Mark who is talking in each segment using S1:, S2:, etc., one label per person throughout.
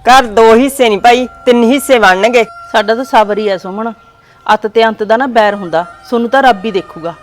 S1: ਘਰ 2 ਹਿੱਸੇ ਨਹੀਂ ਭਾਈ 3 ਹਿੱਸੇ ਬਣਨਗੇ।
S2: ਸਾਡਾ ਤਾਂ ਸਬਰ ਹੀ ਐ ਸੁਮਨ। ਅੱਤ ਤੇ ਅੰਤ ਦਾ ਨਾ ਬੈਰ ਹੁੰਦਾ, ਸੋਨੂੰ ਤਾਂ ਰੱਬ ਹੀ ਦੇਖੂਗਾ।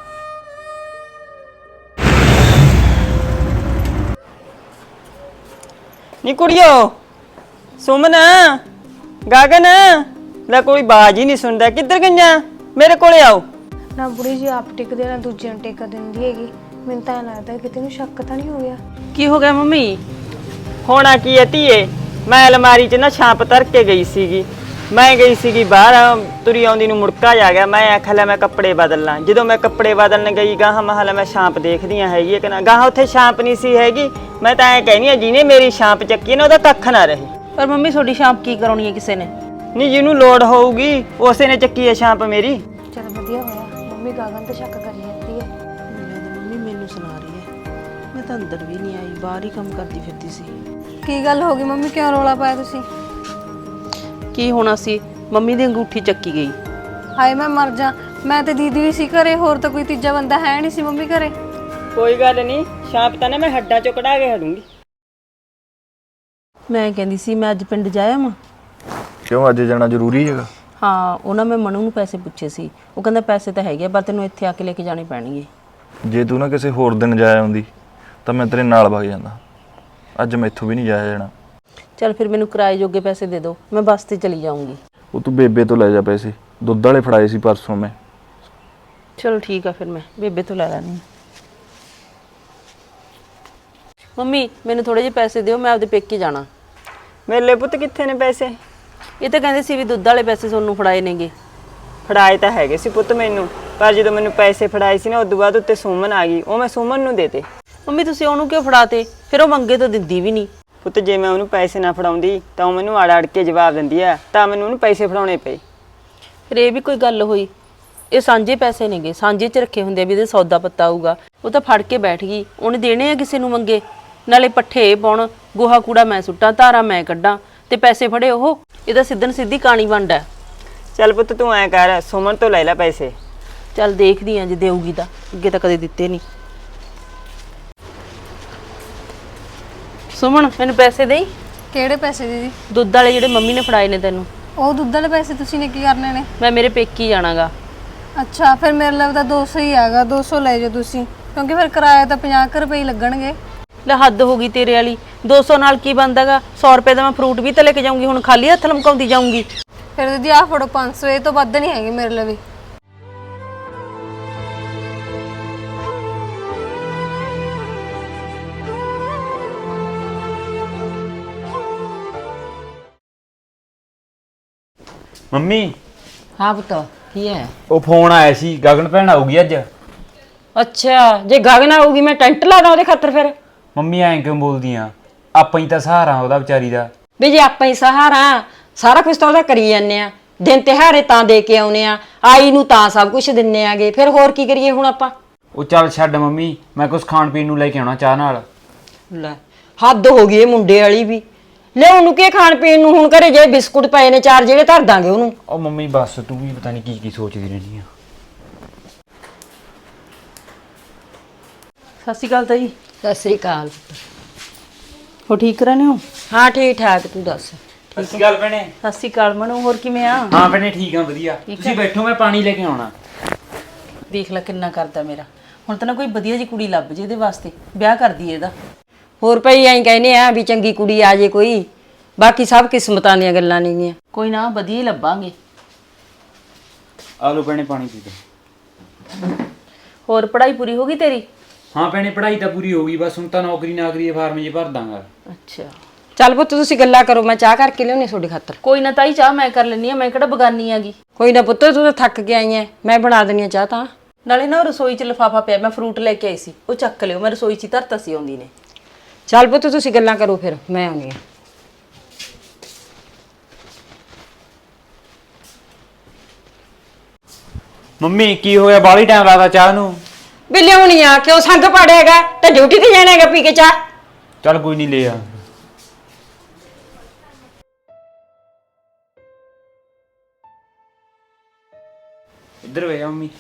S1: ਨੀ ਕੁੜੀਓ, ਸੁਮਨ, ਗਗਨ, ਲੈ ਕੋਈ ਬਾਜ ਹੀ ਨਹੀਂ ਸੁਣਦਾ। ਕਿੱਧਰ ਗਈਆਂ? ਮੇਰੇ ਕੋਲੇ ਆਓ।
S3: ਨਾ ਬੁੜੀ ਜੀ ਆਪ ਟਿਕਦੇ ਨਾ ਦੂਜਿਆਂ ਨੂੰ ਟਿਕ ਦਿੰਦੀ ਹੈਗੀ। ਮੈਨੂੰ ਤਾਂ ਲੱਗਦਾ ਕਿਤੇ ਨੂੰ ਸ਼ੱਕ ਤਾਂ ਨਹੀਂ ਹੋ ਗਿਆ।
S2: ਕੀ ਹੋ ਗਿਆ ਮੰਮੀ?
S1: ਹੋਣਾ ਕੀ ਹੈ ਧੀਏ, ਮੈਂ ਅਲਮਾਰੀ 'ਚ ਨਾ ਛਾਂਪ ਧਰ ਕੇ ਗਈ ਸੀਗੀ। ਮੈਂ ਗਈ ਸੀਗੀ ਬਾਹਰ, ਤੁਰੀ ਆਉਂਦੀ ਨੂੰ ਮੁੜਕਾ ਜਾ ਗਿਆ। ਮੈਂ ਆਖਿਆ ਲੈ ਮੈਂ ਕੱਪੜੇ ਬਦਲ ਲਾਂ। ਜਦੋਂ ਮੈਂ ਕੱਪੜੇ ਬਦਲਣ ਗਈ ਗਾਹਾਂ ਮਹਲਾ ਮੈਂ ਛਾਂਪ ਦੇਖਦੀਆਂ ਹੈਗੀ ਹੈ ਕਿ ਨਾ, ਗਾਹਾਂ ਉੱਥੇ ਛਾਂਪ ਨਹੀਂ ਸੀ ਹੈਗੀ। ਮੈਂ ਤਾਂ ਐਂ ਕਹਿੰਦੀ ਆ ਜਿਹਨੇ ਮੇਰੀ ਛਾਂਪ ਚੱਕੀ ਨਾ ਉਹਦਾ ਕੱਖ ਨਾ ਰਹੇ।
S2: ਪਰ ਮੰਮੀ ਤੁਹਾਡੀ ਸ਼ਾਂਪ ਕੀ ਕਰਾਉਣੀ ਹੈ ਕਿਸੇ ਨੇ?
S1: ਨਹੀਂ, ਜਿਹਨੂੰ ਲੋੜ ਹੋਊਗੀ ਉਸੇ ਨੇ ਚੱਕੀ ਹੈ ਛਾਂਪ ਮੇਰੀ।
S3: ਚਲ ਵਧੀਆ ਹੋਇਆ, ਮੰਮੀ ਗਗਨ ਤੇ ਸ਼ੱਕ ਕਰੀ ਜਾਂਦੀ ਹੈ।
S2: ਮੰਮੀ ਮੈਨੂੰ ਸੁਣਾ ਰਹੀ ਹੈ। ਮੈਂ ਤਾਂ ਅੰਦਰ ਵੀ ਨਹੀਂ ਆਈ, ਬਾਹਰ ਹੀ ਕੰਮ ਕਰਦੀ ਫਿਰਦੀ ਸੀ।
S3: ਕੀ ਗੱਲ ਹੋ ਗਈ ਮੰਮੀ, ਕਿਉਂ ਰੌਲਾ ਪਾਇਆ ਤੁਸੀਂ?
S2: ਕੀ ਹੋਣਾ ਸੀ, ਮੰਮੀ ਦੀ ਅੰਗੂਠੀ ਚੱਕੀ ਗਈ।
S3: ਹਾਏ ਮੈਂ ਮਰ ਜਾ, ਮੈਂ ਤੇ ਦੀਦੀ ਵੀ ਸੀ ਘਰੇ, ਹੋਰ ਤਾਂ ਕੋਈ ਤੀਜਾ ਬੰਦਾ ਹੈ ਨਹੀਂ ਸੀ ਮੰਮੀ ਘਰੇ।
S1: ਕੋਈ ਗੱਲ ਨਹੀਂ, ਛਾਂਪ ਤਾਂ ਨਾ ਮੈਂ ਹੱਡਾਂ ਚੋਂ ਕਢਾ ਕੇ ਹਟੂੰਗੀ।
S2: ਮੈਂ ਕਹਿੰਦੀ ਸੀ ਮੈਂ ਅੱਜ ਪਿੰਡ ਜਾਇਆ ਵਾਂ।
S4: ਕਿਉਂ ਅੱਜ ਜਾਣਾ ਜ਼ਰੂਰੀ ਹੈਗਾ?
S2: ਹਾਂ, ਉਹਨਾਂ ਮੈਂ ਮਨੂ ਨੂੰ ਪੈਸੇ ਪੁੱਛੇ ਸੀ। ਉਹ ਕਹਿੰਦਾ ਪੈਸੇ ਤਾਂ ਹੈਗੇ ਪਰ ਤੈਨੂੰ ਇੱਥੇ ਆ ਕੇ ਲੈ ਕੇ ਜਾਣੇ ਪੈਣਗੇ।
S4: ਜੇ ਤੂੰ ਨਾ ਕਿਸੇ ਹੋਰ ਦਿਨ ਜਾਇਆ ਆਉਂਦੀ ਤਾਂ ਮੈਂ ਤੇਰੇ ਨਾਲ ਵਗ ਜਾਂਦਾ। ਅੱਜ ਮੈਥੋਂ ਵੀ ਨਹੀਂ ਜਾਇਆ ਜਾਣਾ।
S2: ਚੱਲ ਫਿਰ ਮੈਨੂੰ ਕਿਰਾਏ ਜੋਗੇ ਪੈਸੇ ਦੇ ਦਿਓ, ਮੈਂ ਬੱਸ ਤੇ ਚਲੀ ਜਾਊਂਗੀ।
S4: ਉਹ ਤੂੰ ਬੇਬੇ ਤੋਂ ਲੈ ਜਾ ਪੈਸੇ, ਦੁੱਧ ਵਾਲੇ ਫੜਾਏ ਸੀ ਪਰਸੋਂ ਮੈਂ।
S2: ਚਲੋ ਠੀਕ ਆ, ਫਿਰ ਮੈਂ ਬੇਬੇ ਤੋਂ ਲੈ ਲੈਣੀ। ਮੰਮੀ ਮੈਨੂੰ ਥੋੜੇ ਜਿਹੇ ਪੈਸੇ ਦਿਓ, ਮੈਂ ਆਪਦੇ ਪੇਕੇ ਜਾਣਾ।
S1: ਮੇਲੇ ਪੁੱਤ ਕਿੱਥੇ ਨੇ ਪੈਸੇ?
S2: ਇਹ ਤਾਂ ਕਹਿੰਦੇ ਸੀ ਵੀ ਦੁੱਧ ਵਾਲੇ ਪੈਸੇ ਤੁਹਾਨੂੰ ਫੜਾਏ ਨੇਗੇ।
S1: ਫੜਾਏ ਤਾਂ ਹੈਗੇ ਸੀ ਪੁੱਤ ਮੈਨੂੰ, ਪਰ ਜਦੋਂ ਮੈਨੂੰ ਪੈਸੇ ਫੜਾਏ ਸੀ ਨਾ ਉਦੋਂ ਬਾਅਦ ਉੱਤੇ ਸੁਮਨ ਆ ਗਈ, ਉਹ ਮੈਂ ਸੁਮਨ ਨੂੰ ਦੇਤੇ।
S2: ਮੰਮੀ ਤੁਸੀਂ ਉਹਨੂੰ ਕਿਉਂ ਫੜਾਤੇ? ਫਿਰ ਉਹ ਮੰਗੇ ਤਾਂ ਦਿੰਦੀ ਵੀ ਨਹੀਂ।
S1: ਪੁੱਤ ਜੇ ਮੈਂ ਉਹਨੂੰ ਪੈਸੇ ਨਾ ਫੜਾਉਂਦੀ ਤਾਂ ਉਹ ਮੈਨੂੰ ਅੜ ਕੇ ਜਵਾਬ ਦਿੰਦੀ ਆ, ਤਾਂ ਮੈਨੂੰ ਉਹਨੂੰ ਪੈਸੇ ਫੜਾਉਣੇ ਪਏ।
S2: ਫਿਰ ਇਹ ਵੀ ਕੋਈ ਗੱਲ ਹੋਈ? ਇਹ ਸਾਂਝੇ ਪੈਸੇ ਨੇਗੇ, ਸਾਂਝੇ 'ਚ ਰੱਖੇ ਹੁੰਦੇ ਆ ਵੀ ਇਹਦੇ ਸੌਦਾ ਪੱਤਾ ਆਊਗਾ। ਉਹ ਤਾਂ ਫੜ ਕੇ ਬੈਠ ਗਈ, ਉਹਨੇ ਦੇਣੇ ਆ ਕਿਸੇ ਨੂੰ ਮੰਗੇ। ਨਾਲੇ ਪੱਠੇ ਪਾਉਣ, ਗੋਹਾ ਕੂੜਾ ਮੈਂ ਸੁੱਟਾਂ, ਧਾਰਾਂ ਮੈਂ ਕੱਢਾਂ ਤੇ ਪੈਸੇ ਫੜੇ ਉਹ। ਇਹਦਾ ਸਿੱਧਨ ਸਿੱਧੀ ਕਾਣੀ ਵੰਡ ਹੈ।
S1: ਚੱਲ ਪੁੱਤ ਤੂੰ ਐਂ ਕਰ, ਸੁਮਨ ਤੋਂ ਲੈ ਲੈ ਪੈਸੇ।
S2: ਚੱਲ ਦੇਖਦੀ ਆ ਜੇ ਦੇਊਗੀ ਤਾਂ, ਅੱਗੇ ਤਾਂ ਕਦੇ ਦਿੱਤੇ ਨਹੀਂ। ਸੁਮਨ ਮੈਨੂੰ ਪੈਸੇ ਦੇਈ।
S3: ਕਿਹੜੇ ਪੈਸੇ ਦੀਦੀ?
S2: ਦੁੱਧ ਵਾਲੇ ਜਿਹੜੇ ਮੰਮੀ ਨੇ ਫੜਾਏ ਨੇ ਤੈਨੂੰ।
S3: ਉਹ ਦੁੱਧ ਵਾਲੇ ਪੈਸੇ ਤੁਸੀਂ ਨੇ ਕੀ ਕਰਨੇ ਨੇ?
S2: ਮੈਂ ਮੇਰੇ ਪੇਕੀ ਜਾਣਾਗਾ।
S3: ਅੱਛਾ, ਫਿਰ ਮੇਰੇ ਲਈ ਤਾਂ 200 ਹੀ ਹੈਗਾ, 200 ਲੈ ਜਾਓ ਤੁਸੀਂ, ਕਿਉਂਕਿ ਫਿਰ ਕਿਰਾਇਆ ਤਾਂ 50 ਰੁਪਏ ਲੱਗਣਗੇ।
S2: ਲੈ ਹੱਦ ਹੋ ਗਈ ਤੇਰੇ ਵਾਲੀ, 200 ਨਾਲ ਕੀ ਬਣਦਾਗਾ? 100 ਰੁਪਏ ਦਾ ਮੈਂ ਫਰੂਟ ਵੀ ਤਾਂ ਲੈ ਕੇ ਜਾਊਂਗੀ, ਹੁਣ ਖਾਲੀ ਹੱਥ ਲਮਕਾਉਂਦੀ ਜਾਊਂਗੀ।
S3: ਫਿਰ ਦੀਦੀ ਆਹ ਫੜੋ 500, ਇਹ ਤੋਂ ਵੱਧ ਨਹੀਂ ਹੈਗੇ ਮੇਰੇ ਲਈ ਵੀ।
S5: ਮੰਮੀ
S6: ਹਾਂ ਪੁੱਤ, ਕੀ ਹੈ?
S5: ਉਹ ਫੋਨ ਆਇਆ ਸੀ, ਗਗਨ ਭੈਣ ਆਊਗੀ ਅੱਜ।
S6: ਅੱਛਾ, ਜੇ ਗਗਨ ਆਊਗੀ ਮੈਂ ਟੈਂਟ ਲਾ ਦਾਂ ਉਹਦੇ ਖਾਤਰ। ਫਿਰ
S5: ਮੰਮੀ ਐਂ ਕਿਉਂ ਬੋਲਦੀ ਆ? ਆਪਾਂ ਹੀ ਤਾਂ ਸਹਾਰਾ ਉਹਦਾ ਵਿਚਾਰੀ ਦਾ।
S6: ਵੀ ਜੇ ਆਪਾਂ ਹੀ ਸਹਾਰਾ, ਸਾਰਾ ਕੁਝ ਤਾਂ ਉਹਦਾ ਕਰੀ ਜਾਂਦੇ ਆ। ਦਿਨ ਤਿਉਹਾਰੇ ਤਾਂ ਦੇ ਕੇ ਆਉਨੇ ਆ, ਆਈ ਨੂੰ ਤਾਂ ਸਭ ਕੁਝ ਦਿੰਨੇ ਆਗੇ। ਫਿਰ ਹੋਰ ਕੀ ਕਰੀਏ ਹੁਣ ਆਪਾਂ?
S5: ਉਹ ਚੱਲ ਛੱਡ ਮੰਮੀ, ਮੈਂ ਕੁਝ ਖਾਣ ਪੀਣ ਨੂੰ ਲੈ ਕੇ ਆਉਣਾ ਚਾਹ ਨਾਲ।
S6: ਲੈ ਹੱਦ ਹੋ ਗਈ ਇਹ ਮੁੰਡੇ ਵਾਲੀ ਵੀ। ਲੈ ਉਹਨੂੰ ਕੀ ਖਾਣ ਪੀਣ ਨੂੰ? ਹੁਣ ਘਰੇ ਜੇ ਬਿਸਕੁਟ ਪਏ ਨੇ 4 ਜਿਹੜੇ ਧਰ ਦਾਂਗੇ ਉਹਨੂੰ।
S5: ਉਹ ਮੰਮੀ ਬਸ, ਤੂੰ ਵੀ ਪਤਾ ਨਹੀਂ ਕੀ ਕੀ ਸੋਚਦੀ ਰਹਿੰਦੀ ਆ।
S2: ਸਤਿ ਸ਼੍ਰੀ ਅਕਾਲ ਤਾਈ।
S6: ਸਤਿ ਸ੍ਰੀ ਅਕਾਲ।
S2: ਹੋ ਠੀਕ ਰਹਿੰਦੇ ਹੋ?
S6: ਹਾਂ ਠੀਕ ਠਾਕ, ਤੂੰ ਦੱਸ?
S5: ਸਤਿ ਸ਼੍ਰੀ ਅਕਾਲ ਭੈਣੇ।
S2: ਸਤਿ ਸ਼੍ਰੀ ਅਕਾਲ ਮਨੂ, ਹੋਰ ਕਿਵੇਂ ਆ?
S5: ਹਾਂ ਭੈਣੇ ਠੀਕ ਆ, ਵਧੀਆ। ਤੁਸੀਂ ਬੈਠੋ, ਮੈਂ ਪਾਣੀ ਲੈ ਕੇ ਆਉਣਾ।
S2: ਦੇਖ ਲੈ ਕਿੰਨਾ ਕਰਦਾ ਮੇਰਾ। ਹੁਣ ਤਾਂ ਨਾ ਕੋਈ ਵਧੀਆ ਜੀ ਕੁੜੀ ਲੱਭ ਜੇ ਇਹਦੇ ਵਾਸਤੇ, ਵਿਆਹ ਕਰ ਦਈਏ ਇਹਦਾ।
S6: ਹੋਰ ਭਾਈ ਐਂ ਕਹਿੰਦੇ ਆ ਵੀ ਚੰਗੀ ਕੁੜੀ ਆ ਜੇ ਕੋਈ, ਬਾਕੀ ਸਭ ਕਿਸਮਤਾਂ ਦੀਆਂ ਗੱਲਾਂ ਨੇਗੀਆਂ।
S2: ਕੋਈ ਨਾ, ਵਧੀਆ ਹੀ ਲੱਭਾਂਗੇ।
S5: ਆ ਲਓ ਭੈਣੇ ਪਾਣੀ ਪੀ ਲਓ।
S2: ਹੋਰ ਪੜ੍ਹਾਈ ਪੂਰੀ ਹੋ ਗਈ ਤੇਰੀ?
S5: ਹਾਂ ਭੈਣੇ ਪੜ੍ਹਾਈ ਤਾਂ ਪੂਰੀ ਹੋ ਗਈ, ਬਸ ਹੁਣ ਤਾਂ ਨੌਕਰੀ ਦੇ ਫਾਰਮ ਜੇ ਭਰ ਦਾਂਗਾ।
S2: ਅੱਛਾ
S6: ਚੱਲ ਪੁੱਤ ਤੁਸੀਂ ਗੱਲਾਂ ਕਰੋ, ਮੈਂ ਚਾਹ ਕਰਕੇ ਲਿਆਉਣੀ ਤੁਹਾਡੇ ਖਾਤਰ।
S2: ਕੋਈ ਨਾ ਤਾਈ, ਚਾਹ ਮੈਂ ਕਰ ਲੈਣੀ ਆ, ਮੈਂ ਕਿਹੜਾ ਬਗਾਨੀ ਆਗੀ।
S6: ਕੋਈ ਨਾ ਪੁੱਤ, ਤੂੰ ਤਾਂ ਥੱਕ ਕੇ ਆਈ ਐ, ਮੈਂ ਬਣਾ ਦਿੰਦੀ ਆ ਚਾਹ ਤਾਂ।
S2: ਨਾਲੇ ਨਾ ਰਸੋਈ 'ਚ ਲਿਫਾਫਾ ਪਿਆ, ਮੈਂ ਫਰੂਟ ਲੈ ਕੇ ਆਈ ਸੀ, ਉਹ ਚੱਕ ਲਿਓ। ਮੈਂ ਰਸੋਈ 'ਚ ਹੀ ਧਰਤਾ ਸੀ ਆਉਂਦੀ ਨੇ।
S6: ਚੱਲ ਪੁੱਤ ਤੁਸੀਂ ਗੱਲਾਂ ਕਰੋ, ਫਿਰ ਮੈਂ ਆਉਣੀ ਆ।
S5: ਮੰਮੀ ਕੀ ਹੋਇਆ, ਬਾਹਲੀ ਟਾਈਮ ਲੱਗਦਾ ਚਾਹ ਨੂੰ?
S6: ਵੀ ਲਿਆਉਣੀ ਆ, ਕਿਉਂ ਸੰਗ ਪਾੜੇਗਾ? ਤੇ ਡਿਊਟੀ ਤੇ ਜਾਣਾ ਹੈਗਾ ਪੀ ਕੇ ਚਾਹ।
S5: ਚੱਲ ਕੋਈ ਨਹੀਂ, ਲੈ ਆ। ਇੱਧਰ ਵੇ ਮੰਮੀ।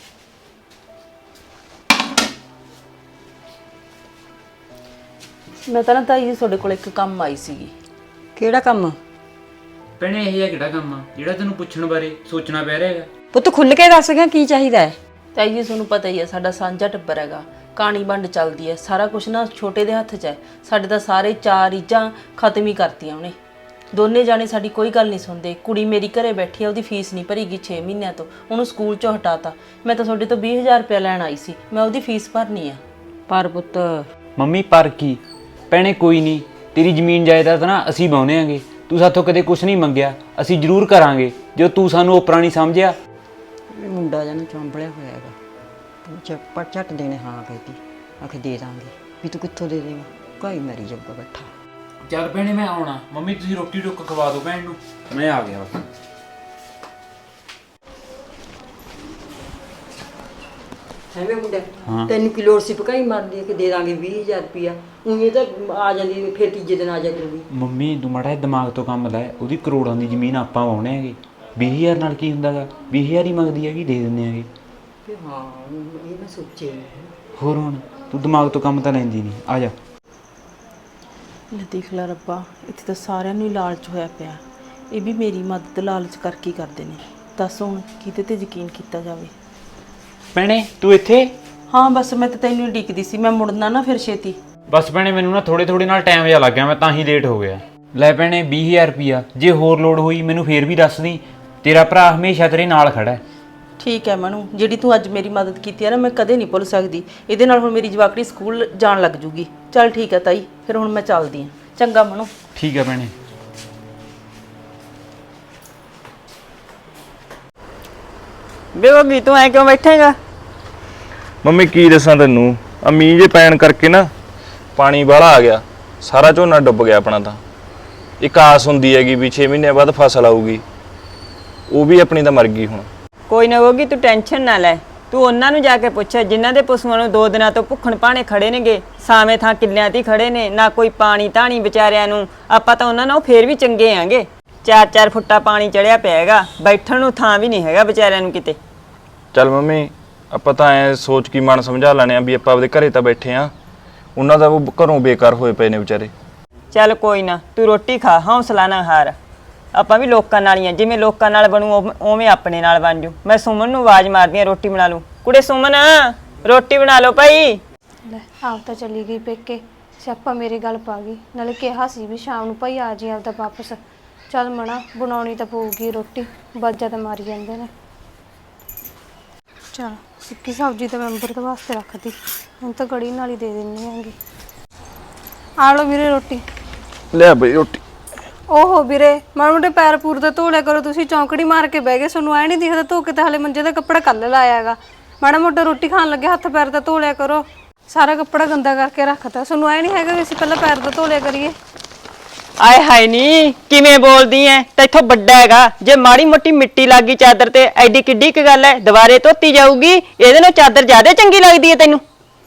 S2: ਮੈਂ ਤਾਂ ਨਾ ਤਾਈ ਜੀ ਤੁਹਾਡੇ ਕੋਲ ਇੱਕ ਕੰਮ ਆਈ ਸੀਗੀ।
S6: ਕਿਹੜਾ ਕੰਮ?
S5: ਭੈਣੇ ਇਹ ਜਿਹਾ ਕਿਹੜਾ ਕੰਮ ਆ ਜਿਹੜਾ ਤੈਨੂੰ ਪੁੱਛਣ ਬਾਰੇ ਸੋਚਣਾ ਪੈ ਰਿਹਾ ਹੈਗਾ?
S6: ਪੁੱਤ ਖੁੱਲ ਕੇ ਦੱਸ ਗਿਆ ਕੀ ਚਾਹੀਦਾ ਹੈ।
S2: ਤਾਈ ਜੀ ਤੁਹਾਨੂੰ ਪਤਾ ਹੀ ਹੈ ਸਾਡਾ ਸਾਂਝਾ ਟੱਬਰ ਹੈਗਾ, ਕਹਾਣੀ ਵੰਡ ਚੱਲਦੀ ਹੈ, ਸਾਰਾ ਕੁਝ ਨਾ ਛੋਟੇ ਦੇ ਹੱਥ 'ਚ ਹੈ। ਸਾਡੇ ਤਾਂ ਸਾਰੇ 4 ਰੀਝਾਂ ਖਤਮ ਹੀ ਕਰਤੀਆਂ ਉਹਨੇ। ਦੋਨੇ ਜਾਣੇ ਸਾਡੀ ਕੋਈ ਗੱਲ ਨਹੀਂ ਸੁਣਦੇ। ਕੁੜੀ ਮੇਰੀ ਘਰੇ ਬੈਠੀ ਆ, ਉਹਦੀ ਫੀਸ ਨਹੀਂ ਭਰੀ ਗਈ 6 ਮਹੀਨਿਆਂ ਤੋਂ, ਉਹਨੂੰ ਸਕੂਲ 'ਚੋਂ ਹਟਾਤਾ। ਮੈਂ ਤਾਂ ਤੁਹਾਡੇ ਤੋਂ 20,000 ਰੁਪਇਆ ਲੈਣ ਆਈ ਸੀ, ਮੈਂ ਉਹਦੀ ਫੀਸ ਭਰਨੀ ਆ।
S6: ਪਰ ਪੁੱਤ
S5: ਮੰਮੀ ਪਰ ਕੀ ਭੈਣੇ, ਕੋਈ ਨਹੀਂ, ਤੇਰੀ ਜ਼ਮੀਨ ਜਾਇਦਾਦ ਨਾ ਅਸੀਂ ਬਾਉਨੇ ਆਂਗੇ। ਤੂੰ ਸਾਥੋਂ ਕਦੇ ਕੁਝ ਨਹੀਂ ਮੰਗਿਆ, ਅਸੀਂ ਜ਼ਰੂਰ ਕਰਾਂਗੇ ਜੋ ਤੂੰ ਸਾਨੂੰ ਓਪਰਾ ਨਹੀਂ ਸਮਝਿਆ।
S6: ਇਹ ਮੁੰਡਾ ਜਨ ਚੌਂਬਲਿਆ ਹੋਇਆ ਹੈਗਾ। ਤੂੰ ਚੱਪਟ ਝੱਟ ਦੇਣੇ ਹਾਂ ਕਹਿਤੀ, ਆਖੇ ਦੇ ਦਾਂਗੇ। ਵੀ ਤੂੰ ਕਿੱਥੋਂ ਦੇ ਦੇਗਾ, ਕੋਈ ਮਰੀ ਜਾਊਗਾ ਬੈਠਾ।
S5: ਚੱਲ ਭੈਣੇ ਮੈਂ ਆਉਣਾ। ਮੰਮੀ ਤੁਸੀਂ ਰੋਟੀ ਟੁੱਕ ਖਵਾ ਦਿਓ ਭੈਣ ਨੂੰ, ਮੈਂ ਆ ਗਿਆ ਬਸ।
S6: ਹੈਵੇਂ ਮੁੰਡਾ ਤੈਨੂੰ ਕੀ ਲੋੜ ਸੀ ਪਕਾਈ ਮਾਰਦੀ ਕਿ ਦੇ ਦਾਂਗੇ 20,000 ਰੁਪਇਆ। ਉਹ ਤਾਂ ਆ ਜਾਂਦੀ ਫਿਰ ਤੀਜੇ ਦਿਨ ਆ ਜਾ ਕਰੂਗੀ।
S5: ਮੰਮੀ ਤੂੰ ਮਾੜਾ ਜਿਹਾ ਦਿਮਾਗ ਤੋਂ ਕੰਮ ਲੈ, ਉਹਦੀ ਕਰੋੜਾਂ ਦੀ ਜ਼ਮੀਨ ਆਪਾਂ ਵਾਉਣੇ ਹੈਗੇ। 20,000 ਨਾਲ ਕੀ ਹੁੰਦਾਗਾ? 20,000 ਹੀ ਮੰਗਦੀ ਹੈਗੀ, ਦੇ ਦਿੰਦੇ ਹੈਗੇ।
S6: ਹਾਂ ਇਹ ਮੈਂ ਸੋਚਿਆ ਨਹੀਂ।
S5: ਹੋਰ ਹੁਣ ਤੂੰ ਦਿਮਾਗ ਤੋਂ ਕੰਮ ਤਾਂ ਲੈਂਦੀ ਨਹੀਂ, ਆ ਜਾ।
S2: ਲੈ ਦੇਖ ਲੈ ਰੱਬਾ, ਇੱਥੇ ਤਾਂ ਸਾਰਿਆਂ ਨੂੰ ਹੀ ਲਾਲਚ ਹੋਇਆ ਪਿਆ। ਇਹ ਵੀ ਮੇਰੀ ਮਦਦ ਲਾਲਚ ਕਰਕੇ ਹੀ ਕਰਦੇ ਨੇ। ਦੱਸ ਹੁਣ ਕਿਤੇ ਤੇ ਯਕੀਨ ਕੀਤਾ ਜਾਵੇ।
S5: ਭੈਣੇ ਤੂੰ ਇੱਥੇ?
S2: ਹਾਂ ਬਸ ਮੈਂ ਤਾਂ ਤੈਨੂੰ ਉਡੀਕਦੀ ਸੀ, ਮੈਂ ਮੁੜਨਾ ਨਾ ਫਿਰ ਛੇਤੀ।
S5: ਬਸ ਭੈਣੇ ਮੈਨੂੰ ਨਾ ਥੋੜੇ ਨਾਲ ਟਾਈਮ ਜਿਹਾ ਲੱਗ ਗਿਆ, ਮੈਂ ਤਾਂ ਹੀ ਲੇਟ ਹੋ ਗਿਆ। ਲੈ ਭੈਣੇ 20,000 ਰੁਪਇਆ, ਜੇ ਹੋਰ ਲੋੜ ਹੋਈ ਮੈਨੂੰ ਫੇਰ ਵੀ ਦੱਸ ਦੀ, ਤੇਰਾ ਭਰਾ ਹਮੇਸ਼ਾ ਤੇਰੇ ਨਾਲ ਖੜਾ ਹੈ।
S2: ਠੀਕ ਹੈ ਮਨੂ, ਜਿਹੜੀ ਤੂੰ ਅੱਜ ਮੇਰੀ ਮਦਦ ਕੀਤੀ ਹੈ ਨਾ, ਮੈਂ ਕਦੇ ਨਹੀਂ ਭੁੱਲ ਸਕਦੀ। ਇਹਦੇ ਨਾਲ ਹੁਣ ਮੇਰੀ ਜਵਾਕੜੀ ਸਕੂਲ ਜਾਣ ਲੱਗ ਜੂਗੀ। ਚੱਲ ਠੀਕ ਹੈ ਤਾਈ, ਫਿਰ ਹੁਣ ਮੈਂ ਚੱਲਦੀ ਹਾਂ। ਚੰਗਾ ਮਨੂ।
S5: ਠੀਕ ਹੈ ਭੈਣੇ।
S1: ਬੇਬੀ ਤੂੰ ਐ ਕਿਉਂ ਬੈਠੇਗਾ?
S4: ਮੰਮੀ ਕੀ ਦੱਸਾਂ ਤੈਨੂੰ, ਆ ਮੀਂਹ ਜੇ ਪੈਣ ਕਰਕੇ ਨਾ ਪਾਣੀ ਬਾਹਲਾ ਆ ਗਿਆ, ਸਾਰਾ ਝੋਨਾ ਡੁੱਬ ਗਿਆ ਆਪਣਾ। ਤਾਂ ਇੱਕ ਆਸ ਹੁੰਦੀ ਹੈਗੀ ਵੀ 6 ਮਹੀਨਿਆਂ ਬਾਅਦ ਫਸਲ ਆਊਗੀ, ਉਹ ਵੀ ਆਪਣੀ ਤਾਂ ਮਰ ਗਈ ਹੁਣ।
S1: ਕੋਈ ਨਾ ਹੋਗੀ, ਤੂੰ ਟੈਨਸ਼ਨ ਨਾ ਲੈ। ਤੂੰ ਉਹਨਾਂ ਨੂੰ ਜਾ ਕੇ ਪੁੱਛ ਜਿਨ੍ਹਾਂ ਦੇ ਪਸ਼ੂਆਂ ਨੂੰ 2 ਦਿਨਾਂ ਤੋਂ ਭੁੱਖਣ ਭਾਣੇ ਖੜੇ ਨੇਗੇ, ਸਾਵੇਂ ਥਾਂ ਕਿੱਲਿਆਂ 'ਤੇ ਖੜੇ ਨੇ, ਨਾ ਕੋਈ ਪਾਣੀ ਧਾਣੀ ਵਿਚਾਰਿਆਂ ਨੂੰ। ਆਪਾਂ ਤਾਂ ਉਹਨਾਂ ਨਾਲ ਫੇਰ ਵੀ ਚੰਗੇ ਆਂਗੇ। 4-4 ਫੁੱਟਾ ਪਾਣੀ ਚੜਿਆ ਪਿਆ ਹੈਗਾ, ਬੈਠਣ ਨੂੰ ਥਾਂ ਵੀ ਨਹੀਂ ਹੈਗਾ ਵਿਚਾਰਿਆਂ ਨੂੰ ਕਿਤੇ।
S4: ਚੱਲ ਮੰਮੀ ਆਪਾਂ ਤਾਂ ਐ ਸੋਚ ਕੀ ਮਨ ਸਮਝਾ ਲੈਣੇ ਆ ਵੀ ਆਪਾਂ ਆਪਦੇ ਘਰੇ ਤਾਂ ਬੈਠੇ ਆ, ਉਹਨਾਂ ਦਾ ਉਹ ਘਰੋਂ ਬੇਕਾਰ ਹੋਏ ਪਏ ਨੇ ਵਿਚਾਰੇ।
S1: ਚੱਲ ਕੋਈ ਨਾ, ਤੂੰ ਰੋਟੀ ਖਾ, ਹੌਸਲਾ ਨਾ ਹਾਰ। ਆਪਾਂ ਵੀ ਲੋਕਾਂ ਨਾਲ ਹੀ ਆ, ਜਿਵੇਂ ਲੋਕਾਂ ਨਾਲ ਬਣੂ ਉਵੇਂ ਆਪਣੇ ਨਾਲ ਬਣ ਜੂ। ਮੈਂ ਸੁਮਨ ਨੂੰ ਆਵਾਜ਼ ਮਾਰਦੀ ਆ, ਰੋਟੀ ਬਣਾ ਲੂ। ਕੁੜੇ ਸੁਮਨ ਰੋਟੀ ਬਣਾ ਲਓ ਭਾਈ।
S3: ਲੈ ਆਪ ਤਾਂ ਚਲੀ ਗਈ ਪੇਕੇ, ਸਿਆਪਾ ਮੇਰੇ ਗੱਲ ਪਾ ਗਈ। ਨਾਲੇ ਕਿਹਾ ਸੀ ਵੀ ਸ਼ਾਮ ਨੂੰ ਭਾਈ ਆ ਜੀ ਆਪਦਾ ਵਾਪਸ। ਚੱਲ ਮਣਾ, ਬਣਾਉਣੀ ਤਾਂ ਪਊਗੀ ਰੋਟੀ, ਬਾਜਾ ਤਾਂ ਮਾਰੀ ਜਾਂਦੇ ਨੇ। ਚਲ ਸੁੱਕੀ ਸਬਜ਼ੀ ਤਾਂ ਮੈਂ ਅੰਬਰ ਵਾਸਤੇ ਰੱਖਦੀ, ਹੁਣ ਤਾਂ ਕੜੀ ਨਾਲ ਹੀ ਦੇ ਦਿੰਨੀ ਆਂਗੀ। ਆ ਲਓ ਵੀਰੇ ਰੋਟੀ।
S4: ਲਿਆ ਬਈ ਰੋਟੀ।
S3: ਓਹੋ ਵੀਰੇ, ਮਾੜੇ ਮੋਟੇ ਪੈਰ ਪੂਰ ਤਾਂ ਧੋ ਲਿਆ ਕਰੋ। ਤੁਸੀਂ ਚੌਂਕੜੀ ਮਾਰ ਕੇ ਬਹਿ ਗਏ, ਤੁਹਾਨੂੰ ਐ ਨਹੀਂ ਦਿਖਦਾ ਧੋ ਕੇ ਤਾਂ ਹਲੇ ਮੰਜੇ ਦਾ ਕੱਪੜਾ ਕੱਲ ਲਾਇਆ ਹੈਗਾ। ਮਾੜਾ ਮੋਟਾ ਰੋਟੀ ਖਾਣ ਲੱਗੇ ਹੱਥ ਪੈਰ ਤਾਂ ਧੋ ਲਿਆ ਕਰੋ। ਸਾਰਾ ਕੱਪੜਾ ਗੰਦਾ ਕਰਕੇ ਰੱਖਤਾ, ਤੁਹਾਨੂੰ ਐ ਨਹੀਂ ਹੈਗਾ ਵੀ ਅਸੀਂ ਪਹਿਲਾਂ ਪੈਰ ਤਾਂ ਧੋ ਲਿਆ ਕਰੀਏ।
S1: ਆਏ ਹਾਏ ਨੀ, ਕਿਵੇਂ ਬੋਲਦੀ ਐ? ਤੈਥੋਂ ਵੱਡਾ ਹੈਗਾ, ਜੇ ਮਾੜੀ ਮੋਟੀ ਮਿੱਟੀ ਲੱਗੀ ਚਾਦਰ ਤੇ ਐਡੀ ਕਿੱਡੀ ਕੁ ਗੱਲ ਐ, ਦੁਬਾਰੇ ਧੋਤੀ ਜਾਊਗੀ। ਇਹਦੇ ਨਾਲ ਚਾਦਰ ਜ਼ਿਆਦਾ ਚੰਗੀ ਲੱਗਦੀ ਐ ਤੈਨੂੰ?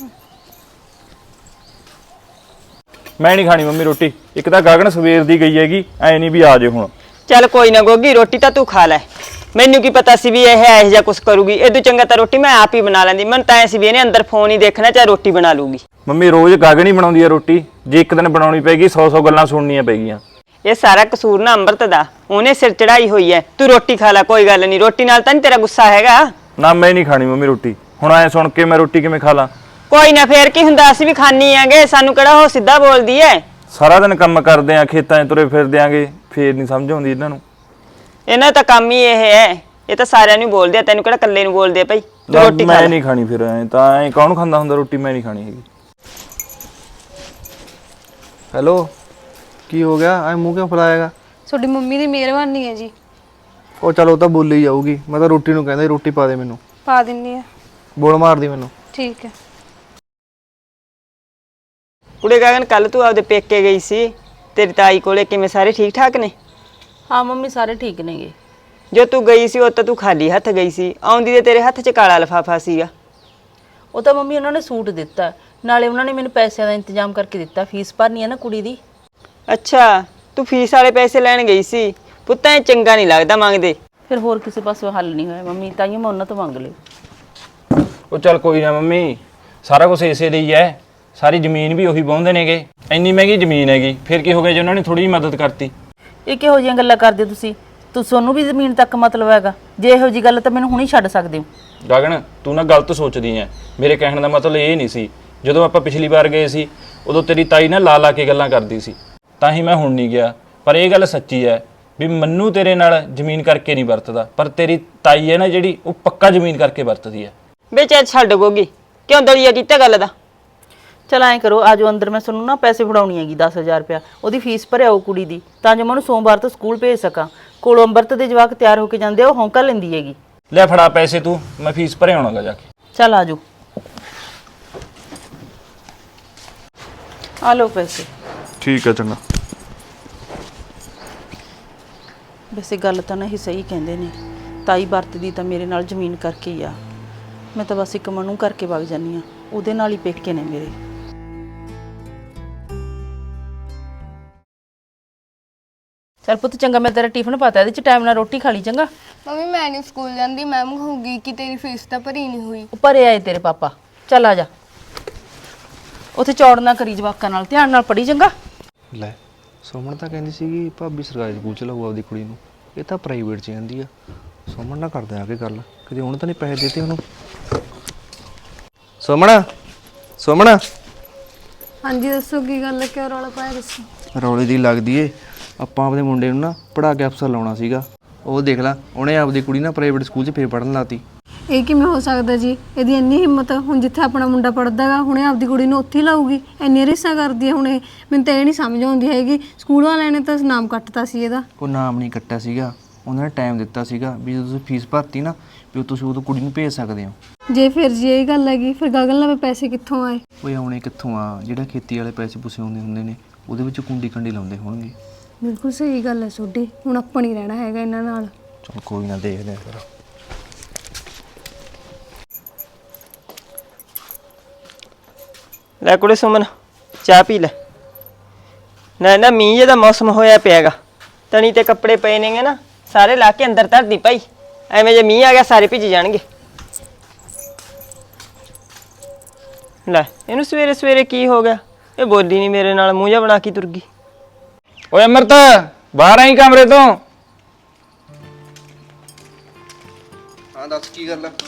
S4: ਮੈਂ ਨਹੀਂ ਖਾਣੀ ਮੰਮੀ ਰੋਟੀ, ਇੱਕ ਤਾਂ ਗਗਨ ਸਵੇਰ ਦੀ ਗਈ ਹੈਗੀ, ਐ ਨਹੀਂ ਵੀ ਆ ਜੇ ਹੁਣ।
S1: ਚੱਲ ਕੋਈ ਨਾ ਗੋਗੀ, ਰੋਟੀ ਤਾਂ ਤੂੰ ਖਾ ਲੈ। ਮੈਨੂੰ ਕੀ ਪਤਾ ਸੀ ਵੀ ਇਹ ਇਹੋ ਜਿਹਾ ਕੁਛ ਕਰੂਗੀ। ਇਦੋਂ ਚੰਗਾ ਤਾਂ ਰੋਟੀ ਮੈਂ ਆਪ ਹੀ ਬਣਾ ਲੈਂਦੀ। ਮੈਨੂੰ ਤਾਂ ਐ ਸੀ ਵੀ ਇਹਨੇ ਅੰਦਰ ਫੋਨ ਹੀ ਦੇਖਣਾ, ਚਾਹੇ ਰੋਟੀ ਬਣਾ ਲੂਗੀ।
S4: ਮੰਮੀ ਰੋਜ਼ ਗਗਨ ਹੀ ਬਣਾਉਂਦੀ ਹੈ ਰੋਟੀ, ਜੇ ਇੱਕ ਦਿਨ ਬਣਾਉਣੀ ਪੈਗੀ 100 ਗੱਲਾਂ ਸੁਣਨੀਆਂ ਪੈਗੀਆਂ।
S1: ਇਹ ਸਾਰਾ ਕਸੂਰ ਨਾ ਅੰਮ੍ਰਿਤ ਦਾ, ਉਹਨੇ ਸਿਰ ਚੜਾਈ ਹੋਈ ਐ। ਤੂੰ ਰੋਟੀ ਖਾ ਲੈ, ਕੋਈ ਗੱਲ ਨਹੀਂ। ਰੋਟੀ ਨਾਲ ਤਾਂ ਨਹੀਂ ਤੇਰਾ ਗੁੱਸਾ ਹੈਗਾ?
S4: ਨਾ ਮੈਂ ਨਹੀਂ ਖਾਣੀ ਮੰਮੀ ਰੋਟੀ, ਹੁਣ ਐ ਸੁਣ ਕੇ ਮੈਂ ਰੋਟੀ ਕਿਵੇਂ ਖਾ ਲਾਂ?
S1: ਕੋਈ ਨਾ, ਫੇਰ ਕੀ ਹੁੰਦਾ, ਅਸੀਂ ਵੀ ਖਾਣੀ ਆਂਗੇ, ਸਾਨੂੰ ਕਿਹੜਾ ਉਹ ਸਿੱਧਾ ਬੋਲਦੀ ਐ।
S4: ਸਾਰਾ ਦਿਨ ਕੰਮ ਕਰਦੇ ਆ, ਖੇਤਾਂ 'ਚ ਤੁਰੇ ਫਿਰਦੇ ਆਂਗੇ, ਫੇਰ ਨਹੀਂ ਸਮਝ ਆਉਂਦੀ ਇਹਨਾਂ ਨੂੰ।
S1: ਇਹਨਾਂ ਤਾਂ ਕੰਮ ਹੀ ਇਹ ਹੈ, ਇਹ ਤਾਂ ਸਾਰਿਆਂ ਨੂੰ ਬੋਲਦੇ ਆ, ਤੈਨੂੰ ਕਿਹੜਾ ਇਕੱਲੇ ਨੂੰ ਬੋਲਦੇ ਆ ਭਾਈ। ਤੂੰ ਰੋਟੀ ਖਾ
S4: ਮੈਂ
S1: ਲੈ।
S4: ਨਹੀਂ ਖਾਣੀ, ਫਿਰ ਐ ਤਾਂ ਐ ਕੌਣ ਖਾਂਦਾ ਹੁੰਦਾ ਰੋਟੀ? ਮੈਂ ਨਹੀਂ ਖਾਣੀ ਹੈਗੀ।
S7: ਹੈਲੋ, ਕੀ ਹੋ ਗਿਆ? ਐ ਮੂੰਹ ਕਿਉਂ ਫੁਲਾਏਗਾ?
S3: ਤੁਹਾਡੀ ਮੰਮੀ ਦੀ ਮਿਹਰਬਾਨੀ ਹੈ ਜੀ।
S7: ਉਹ ਚਲੋ ਤਾਂ ਬੋਲੀ ਜਾਊਗੀ, ਮੈਂ ਤਾਂ ਰੋਟੀ ਨੂੰ ਕਹਿੰਦਾ ਰੋਟੀ ਪਾ ਦੇ ਮੈਨੂੰ।
S3: ਪਾ ਦਿੰਨੀ ਆ।
S7: ਬੋਲ ਮਾਰਦੀ ਮੈਨੂੰ।
S3: ਠੀਕ ਹੈ।
S1: ਕੁੜੇ ਗਗਨ, ਕੱਲ ਤੂੰ ਆਪਦੇ ਪੇਕੇ ਗਈ ਸੀ, ਤੇਰੀ ਤਾਈ ਕੋਲੇ ਕਿਵੇਂ, ਸਾਰੇ ਠੀਕ ਠਾਕ ਨੇ?
S2: ਹਾਂ ਮੰਮੀ ਸਾਰੇ ਠੀਕ ਨੇਗੇ।
S1: ਜੋ ਤੂੰ ਗਈ ਸੀ ਉਹ ਤਾਂ ਤੂੰ ਖਾਲੀ ਹੱਥ ਗਈ ਸੀ, ਆਉਂਦੀ ਤੇ ਤੇਰੇ ਹੱਥ 'ਚ ਕਾਲਾ ਲਿਫਾਫਾ ਸੀਗਾ।
S2: ਉਹ ਤਾਂ ਮੰਮੀ ਉਹਨਾਂ ਨੇ ਸੂਟ ਦਿੱਤਾ, ਨਾਲੇ ਉਹਨਾਂ ਨੇ ਮੈਨੂੰ ਪੈਸਿਆਂ ਦਾ ਇੰਤਜ਼ਾਮ ਕਰਕੇ ਦਿੱਤਾ। ਫੀਸ ਭਰਨੀ ਹੈ ਨਾ ਕੁੜੀ ਦੀ।
S1: ਅੱਛਾ, ਤੂੰ ਫੀਸ ਵਾਲੇ ਪੈਸੇ ਲੈਣ ਗਈ ਸੀ? ਪੁੱਤਾਂ ਇਹ ਚੰਗਾ ਨਹੀਂ ਲੱਗਦਾ ਮੰਗਦੇ।
S2: ਫਿਰ ਹੋਰ ਕਿਸੇ ਪਾਸੋਂ ਹੱਲ ਨਹੀਂ ਹੋਇਆ ਮੰਮੀ, ਤਾਂ ਹੀ ਮੈਂ ਉਹਨਾਂ ਤੋਂ ਮੰਗ ਲਈ।
S5: ਉਹ ਚੱਲ ਕੋਈ ਨਾ ਮੰਮੀ, ਸਾਰਾ ਕੁਝ ਇਸੇ ਦੇ ਹੀ ਹੈ। ਸਾਰੀ ਜ਼ਮੀਨ ਵੀ ਉਹੀ ਵਾਹੁੰਦੇ ਨੇਗੇ, ਇੰਨੀ ਮਹਿੰਗੀ ਜ਼ਮੀਨ ਹੈਗੀ, ਫਿਰ ਕੀ ਹੋ ਗਿਆ ਜੇ ਉਹਨਾਂ ਨੇ ਥੋੜੀ ਜਿਹੀ ਮਦਦ ਕਰਤੀ?
S2: ਇਹ ਕਿਹੋ ਜਿਹੀਆਂ ਗੱਲਾਂ ਕਰਦੇ ਹੋ ਤੁਸੀਂ ਤੁਹਾਨੂੰ ਵੀ ਜ਼ਮੀਨ ਤੱਕ ਮਤਲਬ ਹੈਗਾ? ਜੇ ਇਹੋ ਜੀ ਗੱਲ ਤਾਂ ਮੈਨੂੰ ਹੁਣੇ ਛੱਡ ਸਕਦੇ ਹੋ।
S4: ਗਗਨ ਤੂੰ ਨਾ ਗਲਤ ਸੋਚਦੀ ਐ। ਮੇਰੇ ਕਹਿਣ ਦਾ ਮਤਲਬ ਇਹ ਨਹੀਂ ਸੀ। ਜਦੋਂ ਆਪਾਂ ਪਿਛਲੀ ਵਾਰ ਗਏ ਸੀ ਉਦੋਂ ਤੇਰੀ ਤਾਈ ਨਾ ਲਾ ਲਾ ਕੇ ਗੱਲਾਂ ਕਰਦੀ ਸੀ, ਤਾਂ ਹੀ ਮੈਂ ਹੁਣ ਨਹੀਂ ਗਿਆ। ਪਰ ਇਹ ਗੱਲ ਸੱਚੀ ਐ ਵੀ ਮੰਨੂ ਤੇਰੇ ਨਾਲ ਜ਼ਮੀਨ ਕਰਕੇ ਨਹੀਂ ਵਰਤਦਾ, ਪਰ ਤੇਰੀ ਤਾਈ ਹੈ ਨਾ ਜਿਹੜੀ, ਉਹ ਪੱਕਾ ਜ਼ਮੀਨ ਕਰਕੇ ਵਰਤਦੀ ਐ।
S1: ਵੇ ਚੱਲ ਛੱਡ ਗੋਗੀ, ਕਿਉਂ ਦਲੀਆ ਕੀਤਾ ਗੱਲ ਦਾ?
S2: ਚਲ ਐਂ ਕਰੋ, ਆਜੋ ਅੰਦਰ, ਮੈਂ ਤੁਹਾਨੂੰ ਨਾ ਪੈਸੇ ਫੜਾਉਣੀ ਹੈਗੀ 10,000 ਰੁਪਇਆ, ਉਹਦੀ ਫੀਸ ਭਰਿਆਓ ਕੁੜੀ ਦੀ, ਤਾਂ ਜੋ ਮੈਂ ਉਹਨੂੰ ਸੋਮਵਾਰ ਤੋਂ ਸਕੂਲ ਭੇਜ ਸਕਾਂ। ਕੋਲੋਂ ਅੰਮ੍ਰਿਤ ਦੇ ਜਵਾਕ ਤਿਆਰ ਹੋ ਕੇ ਜਾਂਦੇ ਆ, ਉਹ ਹੌਂਕਾ ਲੈਂਦੀ ਹੈਗੀ।
S4: ਲੈ ਫੜਾ ਪੈਸੇ ਤੂੰ, ਮੈਂ ਫੀਸ ਭਰੇ ਆਉਣਾਗਾ ਜਾ ਕੇ।
S2: ਚੱਲ ਆਜੋ, ਆ ਲਓ ਪੈਸੇ।
S7: ਠੀਕ ਹੈ ਚੰਗਾ।
S2: ਵੈਸੇ ਗੱਲ ਤਾਂ ਨਾ ਇਹ ਸਹੀ ਕਹਿੰਦੇ ਨੇ, ਤਾਈ ਵਰਤਦੀ ਤਾਂ ਮੇਰੇ ਨਾਲ ਜ਼ਮੀਨ ਕਰਕੇ ਹੀ ਆ। ਮੈਂ ਤਾਂ ਬਸ ਇੱਕ ਮਨੂ ਕਰਕੇ ਵਗ ਜਾਂਦੀ ਆ, ਉਹਦੇ ਨਾਲ ਹੀ ਪੇਕੇ ਨੇ ਮੇਰੇ। ਚੱਲ ਪੁੱਤ ਚੰਗਾ, ਮੈਂ ਤੇਰਾ ਟਿਫਨ ਪਾਤਾ, ਇਹਦੇ ਚ ਟਾਈਮ ਨਾਲ ਰੋਟੀ ਖਾ ਲਈ ਚੰਗਾ।
S8: ਮੰਮੀ ਮੈਂ ਨਹੀਂ ਸਕੂਲ ਜਾਂਦੀ, ਮੈਮ ਕਹੂਗੀ ਕਿ ਤੇਰੀ ਫੀਸ ਤਾਂ ਭਰੀ ਨਹੀਂ ਹੋਈ।
S2: ਉੱਪਰ ਆਏ ਤੇਰੇ ਪਾਪਾ, ਚੱਲ ਆ ਜਾ। ਉੱਥੇ ਚੌੜ ਨਾ ਕਰੀ ਜਵਾਕਾਂ ਨਾਲ, ਧਿਆਨ ਨਾਲ ਪੜੀ ਚੰਗਾ।
S7: ਲੈ ਸੁਮਨ ਤਾਂ ਕਹਿੰਦੀ ਸੀਗੀ ਭਾਬੀ ਸਰਕਾਰੀ ਸਕੂਲ ਚ ਲਾਊ ਆਪਦੀ ਕੁੜੀ ਨੂੰ, ਇਹ ਤਾਂ ਪ੍ਰਾਈਵੇਟ ਚ ਜਾਂਦੀ ਆ। ਸੁਮਨ ਨਾਲ ਕਰਦੇ ਆ ਕੇ ਗੱਲ, ਕਿਤੇ ਹੁਣ ਤਾਂ ਨਹੀਂ ਪੈਸੇ ਦਿੱਤੇ ਉਹਨੂੰ। ਸੁਮਨ ਸੁਮਨ
S3: ਹਾਂਜੀ ਦੱਸੋ ਕੀ ਗੱਲ ਹੈ, ਕਿਉਂ ਰੌਲਾ ਪਾਇਆ ਦੱਸੋ।
S7: ਰੌਲੇ ਦੀ ਲੱਗਦੀ ਏ। ਆਪਾਂ ਆਪਦੇ ਮੁੰਡੇ ਨੂੰ ਨਾ ਪੜ੍ਹਾ ਕੇ ਅਫਸਰ ਲਾਉਣਾ ਸੀਗਾ, ਉਹ ਦੇਖ ਲੈ ਉਹਨੇ ਆਪਦੀ ਕੁੜੀ ਨਾ ਪ੍ਰਾਈਵੇਟ ਸਕੂਲ 'ਚ ਫੇਰ ਪੜ੍ਹਨ ਲਾਤੀ।
S3: ਇਹ ਕਿਵੇਂ ਹੋ ਸਕਦਾ ਜੀ? ਇਹਦੀ ਇੰਨੀ ਹਿੰਮਤ, ਹੁਣ ਜਿੱਥੇ ਆਪਣਾ ਮੁੰਡਾ ਪੜਦਾ ਹੈਗਾ ਹੁਣੇ ਆਪਦੀ ਕੁੜੀ ਨੂੰ ਉੱਥੇ ਹੀ ਲਾਊਗੀ? ਇੰਨੀ ਰਿਸ਼ਾ ਕਰਦੀ ਹੈ ਹੁਣ ਇਹ, ਮੈਨੂੰ ਤਾਂ ਇਹ ਨਹੀਂ ਸਮਝ ਆਉਂਦੀ ਹੈਗੀ। ਸਕੂਲ ਵਾਲਿਆਂ ਨੇ ਤਾਂ ਨਾਮ ਕੱਟਤਾ ਸੀ ਇਹਦਾ।
S7: ਕੋਈ ਨਾਮ ਨਹੀਂ ਕੱਟਿਆ ਸੀਗਾ, ਉਹਨਾਂ ਨੇ ਟਾਈਮ ਦਿੱਤਾ ਸੀਗਾ ਵੀ ਜਦੋਂ ਤੁਸੀਂ ਫੀਸ ਭਰਤੀ ਨਾ ਵੀ ਤੁਸੀਂ ਉਦੋਂ ਕੁੜੀ ਨੂੰ ਭੇਜ ਸਕਦੇ ਹੋ।
S3: ਜੇ ਫਿਰ ਜੀ ਇਹ ਗੱਲ ਹੈਗੀ, ਫਿਰ ਗਗਨ ਲਵੇ ਪੈਸੇ ਕਿੱਥੋਂ ਆਏ?
S7: ਉਹ ਆਉਣੇ ਕਿੱਥੋਂ ਆ, ਜਿਹੜਾ ਖੇਤੀ ਵਾਲੇ ਪੈਸੇ ਪੂਸੇ ਆਉਂਦੇ ਹੁੰਦੇ ਨੇ ਉਹਦੇ ਵਿੱਚ ਕੁੰਡੀ ਕੰਡੀ ਲਾਉਂਦੇ ਹੋਣਗੇ।
S3: ਬਿਲਕੁਲ ਸਹੀ ਗੱਲ ਹੈ ਤੁਹਾਡੀ, ਹੁਣ ਆਪਾਂ ਨਹੀਂ ਰਹਿਣਾ ਹੈਗਾ ਇਹਨਾਂ ਨਾਲ।
S7: ਚਲ ਕੋਈ ਨਾ, ਦੇਖਦੇ ਆ ਫਿਰ।
S1: ਲੈ ਕੁੜੇ ਸੁਮਨ, ਚਾਹ ਪੀ ਲੈ। ਨਾ ਮੀਂਹ ਜਿਹਦਾ ਮੌਸਮ ਹੋਇਆ ਪਿਆਗਾ, ਤਣੀ ਤੇ ਕੱਪੜੇ ਪਏ ਨੇਗੇ ਨਾ, ਸਾਰੇ ਲਾ ਕੇ ਅੰਦਰ ਧਰਦੀ ਭਾਈ, ਐਵੇਂ ਜੇ ਮੀਂਹ ਆ ਗਿਆ ਸਾਰੇ ਭਿੱਜ ਜਾਣਗੇ। ਲੈ ਇਹਨੂੰ ਸਵੇਰੇ ਸਵੇਰੇ ਕੀ ਹੋ ਗਿਆ? ਇਹ ਬੋਲੀ ਨਹੀਂ ਮੇਰੇ ਨਾਲ, ਮੂੰਹ ਜਿਹਾ ਬਣਾ ਕੇ ਤੁਰ ਗਈ।
S4: ਓਏ ਅਮਰਤ, ਬਾਹਰ ਆਈ ਕਮਰੇ ਤੋਂ।
S7: ਹਾਂ ਦੱਸ ਕੀ ਗੱਲ ਆ?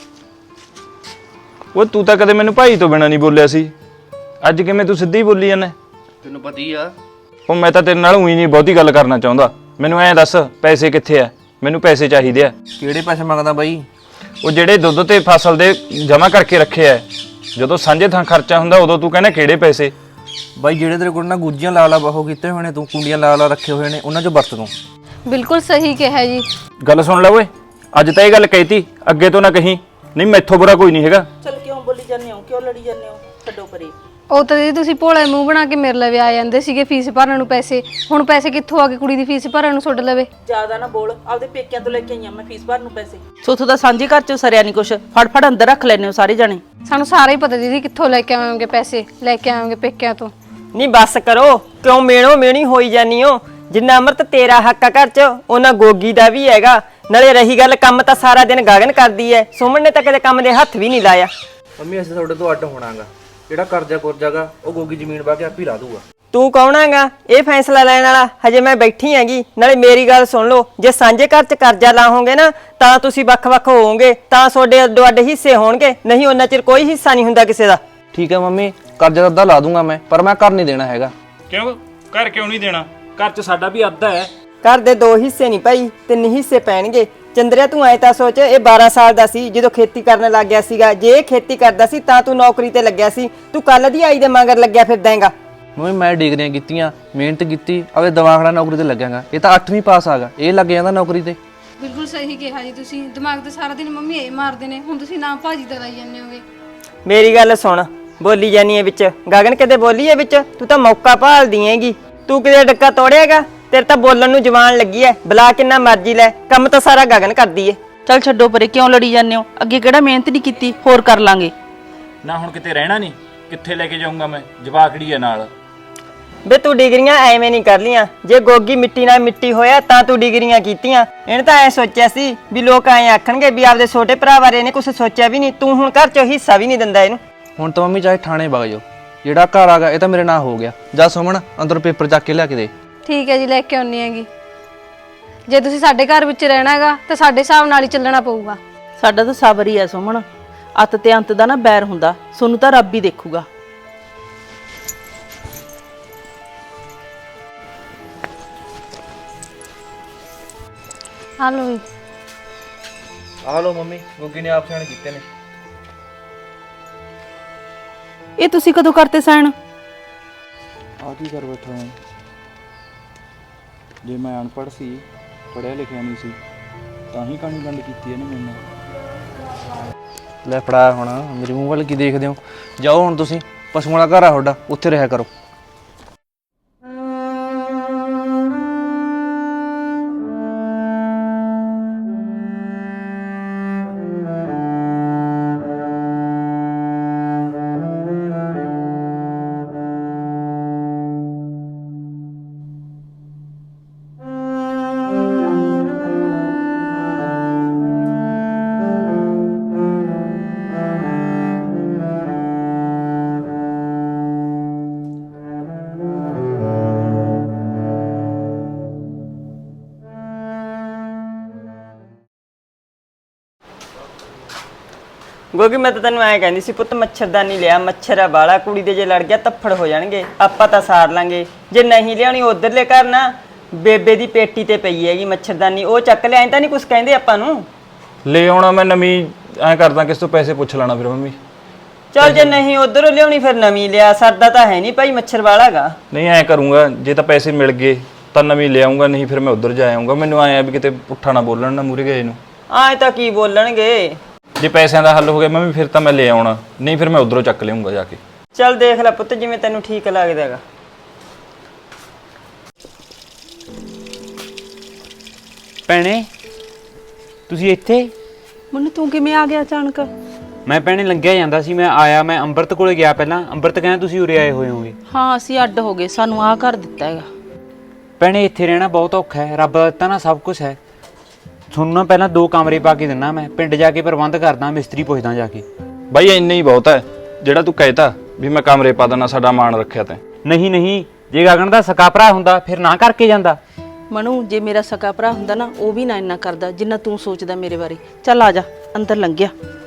S4: ਉਹ ਤੂੰ ਤਾਂ ਕਦੇ ਮੈਨੂੰ ਭਾਈ ਤੋਂ ਬਿਨਾਂ ਨਹੀਂ ਬੋਲਿਆ ਸੀ, ਅੱਜ ਕਿਵੇਂ ਤੂੰ ਸਿੱਧੀ ਬੋਲੀ ਜਾਂਦਾ?
S7: ਤੈਨੂੰ ਪਤਾ ਹੀ ਆ।
S4: ਉਹ ਮੈਂ ਤਾਂ ਤੇਰੇ ਨਾਲ ਉਹੀ ਨਹੀਂ ਬਹੁਤੀ ਗੱਲ ਕਰਨਾ ਚਾਹੁੰਦਾ। ਮੈਨੂੰ ਐਂ ਦੱਸ ਪੈਸੇ ਕਿੱਥੇ ਆ? ਮੈਨੂੰ ਪੈਸੇ ਚਾਹੀਦੇ ਆ।
S7: ਕਿਹੜੇ ਪੈਸੇ ਮੰਗਦਾ ਬਾਈ?
S4: ਉਹ ਜਿਹੜੇ ਦੁੱਧ ਤੇ ਫਸਲ ਦੇ ਜਮ੍ਹਾਂ ਕਰਕੇ ਰੱਖੇ ਆ, ਜਦੋਂ ਸਾਂਝੇ ਥਾਂ ਖਰਚਾ ਹੁੰਦਾ ਉਦੋਂ ਤੂੰ ਕਹਿੰਦਾ ਕਿਹੜੇ ਪੈਸੇ?
S7: ਬਾਈ ਜਿਹੜੇ ਤੇਰੇ ਕੋਲ ਨਾ ਗੁੱਜੀਆਂ ਲਾ ਲਾ ਬਹੁ ਕੀਤੇ ਹੋਏ ਨੇ, ਤੂੰ ਕੁੰਡੀਆਂ ਲਾ ਲਾ ਰੱਖੇ ਹੋਏ ਨੇ, ਉਹਨਾਂ 'ਚੋਂ ਵਰਤ ਤੂੰ।
S3: ਬਿਲਕੁਲ ਸਹੀ ਕਿਹਾ ਜੀ।
S4: ਗੱਲ ਸੁਣ ਲੈ ਓਏ, ਅੱਜ ਤਾਂ ਇਹ ਗੱਲ ਕਹਿਤੀ, ਅੱਗੇ ਤੋਂ ਨਾ ਕਹੀਂ। ਨਹੀਂ ਮੈਥੋਂ ਬੁਰਾ ਕੋਈ ਨਹੀਂ ਹੈਗਾ।
S2: ਚਲ ਕਿਉਂ ਬੋਲੀ ਜਾਂਦੇ ਹੋ, ਕਿਉਂ ਲੜੀ ਜਾਂਦੇ ਹੋ? ਛੱਡੋ ਪਰੇ।
S3: ਉਹ ਤਾਂ ਜੀ ਤੁਸੀਂ ਭੋਲੇ ਮੂੰਹ ਬਣਾ ਕੇ ਮੇਰੇ ਲਵੇ ਆ ਜਾਂਦੇ ਸੀਗੇ ਫੀਸ ਭਰਨ ਨੂੰ ਪੈਸੇ, ਹੁਣ ਪੈਸੇ ਕਿੱਥੋਂ ਆ ਗਏ ਕੁੜੀ ਦੀ ਫੀਸ ਭਰਨ ਨੂੰ ਛੱਡ ਲਵੇ?
S2: ਜ਼ਿਆਦਾ ਨਾ ਬੋਲ, ਆਪਦੇ ਪੇਕਿਆਂ ਤੋਂ ਲੈ ਕੇ ਆਈਆਂ ਮੈਂ ਫੀਸ ਭਰਨ ਨੂੰ ਪੈਸੇ। ਸੋਥੋਂ ਦਾ ਸਾਂਝੇ ਘਰ ਚੋਂ ਸਰਿਆ ਨਹੀਂ ਕੁਛ, ਫੜ ਫੜ ਅੰਦਰ ਰੱਖ ਲੈਨੇ ਹੋ ਸਾਰੇ ਜਾਣੇ।
S3: ਸਾਨੂੰ ਸਾਰਾ ਹੀ ਪਤਾ ਦੀਦੀ ਕਿੱਥੋਂ ਲੈ ਕੇ ਆਵਾਂਗੇ ਪੈਸੇ, ਲੈ ਕੇ ਆਵਾਂਗੇ ਪੇਕਿਆਂ ਤੋਂ।
S1: ਨਹੀਂ ਬੱਸ ਕਰੋ, ਕਿਉਂ ਮੇਣੋ ਮੇਣੀ ਹੋਈ ਜਾਨੀ ਹੋ? ਜਿੰਨਾ ਅਮਰਤ ਤੇਰਾ ਹੱਕ ਆ ਘਰ 'ਚ, ਉਹਨਾਂ ਗੋਗੀ ਦਾ ਵੀ ਹੈਗਾ। ਨਾਲੇ ਰਹੀ ਗੱਲ ਕੰਮ ਤਾਂ ਸਾਰਾ ਦਿਨ ਗਗਨ ਕਰਦੀ ਐ, ਸੁਮਨ ਨੇ ਤਾਂ ਕਦੇ ਕੰਮ ਦੇ ਹੱਥ ਵੀ ਨਹੀਂ ਲਾਇਆ।
S7: ਮੰਮੀ ਅਸੀਂ ਤੁਹਾਡੇ ਤੋਂ ਅੱਡ ਹੋਣਾਗਾ, ਜਿਹੜਾ ਕਰਜ਼ਾ ਕੁਰਜ਼ਾਗਾ ਉਹ ਗੋਗੀ ਜ਼ਮੀਨ ਵਾ ਕੇ ਆਪ ਹੀ ਲਾ ਦੂਗਾ।
S1: ਤੂੰ ਕੌਣ ਹੈਗਾ ਇਹ ਫੈਸਲਾ ਲੈਣ ਵਾਲਾ? ਹਜੇ ਮੈਂ ਬੈਠੀ ਹੈਗੀ। ਨਾਲੇ ਮੇਰੀ ਗੱਲ ਸੁਣ ਲਓ, ਜੇ ਸਾਂਝੇ ਘਰ 'ਚ ਕਰਜ਼ਾ ਲਾਹੋਗੇ ਨਾ ਤਾਂ ਤੁਸੀਂ ਵੱਖ-ਵੱਖ ਹੋਵੋਗੇ, ਤਾਂ ਤੁਹਾਡੇ ਅੱਡੋ-ਅੱਡ ਹਿੱਸੇ ਹੋਣਗੇ, ਨਹੀਂ ਉਹਨਾਂ ਚਿਰ ਕੋਈ ਹਿੱਸਾ ਨਹੀਂ ਹੁੰਦਾ ਕਿਸੇ ਦਾ।
S7: ਠੀਕ ਹੈ ਮੰਮੀ, ਕਰਜ਼ਾ ਤਾਂ ਅੱਧਾ ਲਾ ਦੂੰਗਾ ਮੈਂ, ਪਰ ਮੈਂ ਘਰ ਨਹੀਂ ਦੇਣਾ ਹੈਗਾ।
S4: ਕਿਉਂ ਘਰ ਕਿਉਂ ਨਹੀਂ ਦੇਣਾ? ਘਰ 'ਚ ਸਾਡਾ ਵੀ ਅੱਧਾ ਹੈ।
S1: ਘਰ ਦੇ 2 ਹਿੱਸੇ ਨਹੀਂ ਭਾਈ, 3 ਹਿੱਸੇ ਪੈਣਗੇ। ਚੰਦਰਿਆ ਤੂੰ ਐ ਤਾਂ ਸੋਚ, ਇਹ 12 ਸਾਲ ਦਾ ਸੀ ਜਦੋਂ ਖੇਤੀ ਕਰਨ ਲੱਗ ਗਿਆ ਸੀਗਾ। ਜੇ ਇਹ ਖੇਤੀ ਕਰਦਾ ਸੀ ਤਾਂ ਤੂੰ ਨੌਕਰੀ ਤੇ ਲੱਗਿਆ ਸੀ, ਤੂੰ ਕੱਲ ਦੀ ਆਈ ਦੇ ਮਗਰ ਲੱਗਿਆ ਫਿਰਦਾ ਹੈਗਾ।
S7: ਮੰਮੀ ਮੈਂ ਡਿਗਰੀਆਂ ਕੀਤੀਆਂ, ਮਿਹਨਤ ਕੀਤੀ, ਆਪੇ ਦਿਮਾਗ ਨਾਲ ਨੌਕਰੀ ਤੇ ਲੱਗਿਆਗਾ। ਇਹ ਤਾਂ 8ਵੀਂ ਪਾਸ ਆਗਾ, ਇਹ ਲੱਗ ਜਾਂਦਾ ਨੌਕਰੀ ਤੇ।
S3: ਬਿਲਕੁਲ ਸਹੀ ਕਿਹਾ ਜੀ ਤੁਸੀਂ, ਦਿਮਾਗ ਤੇ ਸਾਰਾ ਦਿਨ ਮੰਮੀ ਇਹ ਮਾਰਦੇ ਨੇ, ਹੁਣ ਤੁਸੀਂ ਨਾ ਭਾਜੀ ਤੇ ਲਾਈ ਜਾਂਦੇ ਹੋਗੇ।
S1: ਮੇਰੀ ਗੱਲ ਸੁਣ, ਬੋਲੀ ਜਾਨੀ ਹੈ ਵਿੱਚ, ਗਗਨ ਕਿਤੇ ਬੋਲੀ ਹੈ ਵਿੱਚ? ਤੂੰ ਤਾਂ ਮੌਕਾ ਭਾਲਦੀ ਹੈਗੀ, ਤੂੰ ਕਿਤੇ ਡੱਕਾ ਤੋੜਿਆਗਾ? ਤੇਰੇ ਤਾਂ ਬੋਲਣ ਨੂੰ ਜ਼ੁਬਾਨ ਲੱਗੀ ਐ, ਬੁਲਾ ਕਿੰਨਾ ਮਰਜ਼ੀ ਲੈ, ਕੰਮ ਤਾਂ ਸਾਰਾ ਗਗਨ ਕਰਦੀ ਏ।
S2: ਚੱਲ ਛੱਡੋ ਪਰੇ, ਕਿਉਂ ਲੜੀ ਜਾਂਦੇ ਹੋ? ਅੱਗੇ ਕਿਹੜਾ ਮਿਹਨਤ ਨਹੀਂ ਕੀਤੀ, ਹੋਰ ਕਰ ਲਾਂਗੇ
S4: ਨਾ। ਹੁਣ ਕਿਤੇ ਰਹਿਣਾ ਨਹੀਂ, ਕਿੱਥੇ ਲੈ ਕੇ ਜਾਊਂਗਾ ਮੈਂ? ਜਵਾਕੜੀ ਹੈ ਨਾਲ।
S1: ਵੇ ਤੂੰ ਡਿਗਰੀਆਂ ਐਵੇਂ ਨਹੀਂ ਕਰ ਲੀਆਂ, ਜੇ ਗੋਗੀ ਮਿੱਟੀ ਨਾਲ ਮਿੱਟੀ ਹੋਇਆ ਤਾਂ ਤੂੰ ਡਿਗਰੀਆਂ ਕੀਤੀਆਂ। ਇਹਨੇ ਤਾਂ ਐ ਸੋਚਿਆ ਸੀ ਵੀ ਲੋਕ ਐਂ ਆਖਣਗੇ ਵੀ ਆਪਦੇ ਛੋਟੇ ਭਰਾ ਬਾਰੇ ਇਹਨੇ ਕੁਝ ਸੋਚਿਆ ਵੀ ਨਹੀਂ। ਤੂੰ ਹੁਣ ਘਰ 'ਚੋਂ ਹਿੱਸਾ ਵੀ ਨਹੀਂ ਦਿੰਦਾ ਇਹਨੂੰ।
S7: ਹੁਣ ਤਾਂ ਮੰਮੀ ਚਾਹੇ ਥਾਣੇ ਵਗ ਜਾਓ, ਜਿਹੜਾ ਘਰ ਆਗਾ ਇਹ ਤਾਂ ਮੇਰੇ ਨਾਂ ਹੋ ਗਿਆ। ਜਾ ਸੁਮਨ ਅੰਦਰ ਪੇਪਰ ਚੱਕ ਕੇ ਲਿਆ ਕੇ ਦੇ।
S3: ਠੀਕ ਹੈ ਜੀ, ਲੈ ਕੇ ਆਉਣੀ ਹੈਗੀ। ਜੇ ਤੁਸੀਂ ਸਾਡੇ ਘਰ ਵਿੱਚ ਰਹਿਣਾ ਹੈਗਾ ਤਾਂ ਸਾਡੇ ਹਿਸਾਬ ਨਾਲ ਹੀ ਚੱਲਣਾ ਪਊਗਾ।
S2: ਸਾਡਾ ਤਾਂ ਸਬਰ ਹੀ ਆ ਸੁਮਨ, ਅੱਤ ਤੇ ਅੰਤ ਦਾ ਨਾ ਬੈਰ ਹੁੰਦਾ, ਸੋਨੂੰ ਤਾਂ ਰੱਬ ਹੀ ਦੇਖੂਗਾ।
S3: ਹਾਲੋ ਜੀ।
S7: ਆ ਲਓ ਮੰਮੀ, ਗੁੱਗੀ ਨੇ ਆਪ ਸਾਈਨ ਕੀਤੇ ਨੇ।
S2: ਇਹ ਤੁਸੀਂ ਕਦੋਂ ਕਰਤੇ ਸਾਈਨ?
S9: ਆ ਕੀ ਕਰ ਬੈਠਾ ਮੈਂ? ਜੇ ਮੈਂ ਅਨਪੜ੍ਹ ਸੀ, ਪੜ੍ਹਿਆ ਲਿਖਿਆ ਨਹੀਂ ਸੀ, ਤਾਂ ਹੀ ਕਹਾਣੀ ਵੰਡ ਕੀਤੀ ਇਹਨੇ ਮੇਰੇ ਨਾਲ।
S7: ਲੈ ਫੜਾ ਹੁਣ, ਮੇਰੇ ਮੂੰਹ ਵੱਲ ਕੀ ਦੇਖਦੇ ਹੋ? ਜਾਓ ਹੁਣ ਤੁਸੀਂ, ਪਸ਼ੂਆਂ ਦਾ ਘਰ ਆ ਤੁਹਾਡਾ, ਉੱਥੇ ਰਿਹਾ ਕਰੋ।
S1: ਗੋਗੀ ਮੈਂ ਤਾਂ ਤੈਨੂੰ ਐਂ ਕਹਿੰਦੀ ਸੀ ਪੁੱਤ, ਮੱਛਰਦਾਨੀ ਲਿਆ, ਮੱਛਰ ਆ ਬਾਲਾ, ਕੁੜੀ ਦੇ ਜੇ ਲੜ ਗਿਆ ਤੱਫੜ ਹੋ ਜਾਣਗੇ, ਆਪਾਂ ਤਾਂ ਸਾਰ ਲਾਂਗੇ। ਜੇ ਨਹੀਂ ਲਿਆਉਣੀ ਉਧਰਲੇ ਘਰ ਨਾ ਬੇਬੇ ਦੀ ਪੇਟੀ ਤੇ ਪਈ ਹੈਗੀ ਮੱਛਰਦਾਨੀ, ਉਹ ਚੱਕ ਲਿਆ, ਐਂ ਤਾਂ ਨਹੀਂ ਕੁਛ ਕਹਿੰਦੇ ਆਪਾਂ ਨੂੰ।
S4: ਲੈ ਆਉਣਾ ਮੈਂ ਨਵੀਂ, ਐਂ ਕਰਦਾ ਕਿਸ ਤੋਂ ਪੈਸੇ ਪੁੱਛ ਲੈਣਾ ਫਿਰ ਮੰਮੀ।
S1: ਚੱਲ ਜੇ ਨਹੀਂ ਉਧਰੋਂ ਲਿਆਉਣੀ ਫਿਰ ਨਵੀਂ ਲਿਆ, ਸਰਦਾ ਤਾਂ ਹੈ ਨਹੀਂ ਭਾਈ, ਮੱਛਰ ਵਾਲਾਗਾ।
S4: ਨਹੀਂ ਐਂ ਕਰੂੰਗਾ, ਜੇ ਤਾਂ ਪੈਸੇ ਮਿਲ ਗਏ ਤਾਂ ਨਵੀਂ ਲਿਆਉਂਗਾ, ਨਹੀਂ ਫਿਰ ਮੈਂ ਉਧਰ ਜਾ ਆਉਂਗਾ। ਮੈਨੂੰ ਆਇਆ ਵੀ ਕਿਤੇ ਪੁੱਠਾ ਨਾ ਬੋਲਣ ਨਾ ਮੂਰੇ ਗਏ ਨੂੰ।
S1: ਐਂ ਤਾਂ ਕੀ ਬੋਲਣਗੇ।
S4: ਜੇ ਪੈਸਿਆਂ ਦਾ ਹੱਲ ਹੋ ਗਿਆ ਮੰਮੀ ਫਿਰ ਤਾਂ ਮੈਂ ਲੈ ਆਉਣਾ, ਨਹੀਂ ਫਿਰ ਮੈਂ ਉਧਰੋਂ ਚੱਕ ਲਿਆਉਂਗਾ ਜਾ ਕੇ।
S1: ਚੱਲ ਦੇਖ ਲੈ ਪੁੱਤ ਜਿਵੇਂ ਤੈਨੂੰ ਠੀਕ ਲੱਗਦਾ ਹੈਗਾ।
S5: ਭੈਣੇ ਤੁਸੀਂ ਇੱਥੇ?
S2: ਮੈਨੂੰ ਤੂੰ ਕਿਵੇਂ ਆ ਗਿਆ ਅਚਾਨਕ?
S5: ਮੈਂ ਭੈਣੇ ਲੰਘਿਆ ਜਾਂਦਾ ਸੀ, ਮੈਂ ਆਇਆ, ਮੈਂ ਅੰਮ੍ਰਿਤ ਕੋਲੇ ਗਿਆ ਪਹਿਲਾਂ। ਅੰਮ੍ਰਿਤ ਕਹਿੰਦਾ ਤੁਸੀਂ ਉਰੇ ਆਏ ਹੋਏ ਹੋਗੇ।
S2: ਹਾਂ ਅਸੀਂ ਅੱਡ ਹੋ ਗਏ, ਸਾਨੂੰ ਆਹ ਘਰ ਦਿੱਤਾ ਹੈਗਾ।
S5: ਭੈਣੇ ਇੱਥੇ ਰਹਿਣਾ ਬਹੁਤ ਔਖਾ ਹੈ, ਰੱਬ ਦਾ ਦਿੱਤਾ ਨਾ ਸਭ ਕੁਝ ਹੈ। ਤੁਹਾਨੂੰ ਨਾ ਪਹਿਲਾਂ 2 ਕਮਰੇ ਪਾ ਕੇ ਦਿੰਨਾ, ਮੈਂ ਪਿੰਡ ਜਾ ਕੇ ਪ੍ਰਬੰਧ ਕਰਦਾ, ਮਿਸਤਰੀ ਪੁੱਛਦਾ ਜਾ ਕੇ।
S4: ਬਾਈ ਇੰਨਾ ਹੀ ਬਹੁਤ ਹੈ, ਜਿਹੜਾ ਤੂੰ ਕਹਿਤਾ ਵੀ ਮੈਂ ਕਮਰੇ ਪਾ ਦੇਣਾ, ਸਾਡਾ ਮਾਣ ਰੱਖਿਆ ਤੈਂ।
S5: ਨਹੀਂ ਨਹੀਂ, ਜੇ ਗਗਨ ਦਾ ਸਕਾ ਭਰਾ ਹੁੰਦਾ ਫਿਰ ਨਾ ਕਰਕੇ ਜਾਂਦਾ।
S2: ਮਨੂ ਜੇ ਮੇਰਾ ਸਕਾ ਭਰਾ ਹੁੰਦਾ ਨਾ, ਉਹ ਵੀ ਨਾ ਇੰਨਾ ਕਰਦਾ ਜਿੰਨਾ ਤੂੰ ਸੋਚਦਾ ਮੇਰੇ ਬਾਰੇ। ਚੱਲ ਆ ਜਾ, ਅੰਦਰ ਲੰਘਿਆ।